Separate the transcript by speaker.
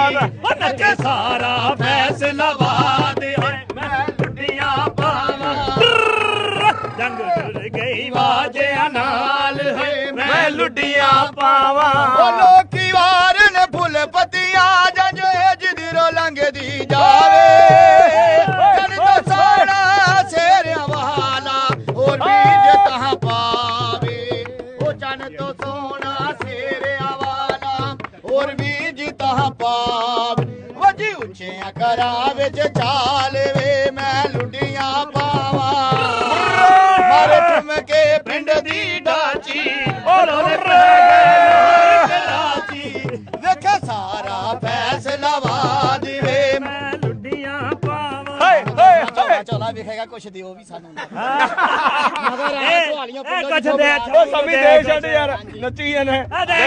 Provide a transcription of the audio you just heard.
Speaker 1: ਨੱਚੇ ਸਾਰਾ ਫੈਸਲਾ ਵਾਦੇ ਮੈਂ ਲੁੱਡੀਆਂ ਪਾਵਾਂ ਜੰਗ ਜੁੜ ਗਈ ਵਾਜਿਆਂ ਨਾਲ ਹੈ ਮੈਂ ਲੁੱਡੀਆਂ ਪਾਵਾਂ
Speaker 2: ਉਹ ਲੋਕੀ ਵਾਰਨ ਫੁੱਲ ਪੱਤੀਆਂ ਜੰਜ ਜਿਦਰੋਂ ਲੰਘਦੀ ਜਾਵੇ ਜਨ ਤੋਂ ਸਾੜਾ ਸ਼ੇਰਿਆਂ ਵਾਲਾ ਹੋਰ ਵੀ ਜੇ ਤਹਾਂ ਪਾਵੇ ਉਹ ਜਨ ਤੋਂ ਸੋਹਣਾ ਸ਼ੇਰਿਆਂ ਵਾਲਾ ਹੋਰ ਵੀ ਜੀ ਤਹਾਂ ਪਾਵੇ ਵਜੀ ਉੱਚਿਆਂ ਘਰਾਂ ਵਿੱਚ ਚਾਲ ਵੇ ਮੈਂ ਲੁੱਡੀਆਂ ਪਾਵਾਂ ਮਾਰੇ ਠੁਮਕੇ ਪਿੰਡ ਦੀ ਢਾਚੀ
Speaker 1: ਲੋਲੇ ਪੈ ਗਏ
Speaker 2: ਕਰਾਚੀ ਵੇਖਾ ਸਾਰਾ ਫੈਸਲਾ ਵਾਦ ਵੇ
Speaker 1: ਮੈਂ ਲੁੱਡੀਆਂ ਪਾਵਾਂ
Speaker 2: ਚੋਲਾ ਵੇਖੇਗਾ ਕੁਛ ਦਿਓ ਵੀ ਸਾਨੂੰ
Speaker 1: ਮਗਰ ਆ ਸਵਾਲੀਆਂ
Speaker 3: ਕੁਛ ਦੇ
Speaker 1: ਉਹ ਸਮੀ ਦੇ ਛੱਡ ਯਾਰ
Speaker 3: ਨੱਚੀ ਜਾਂਦੇ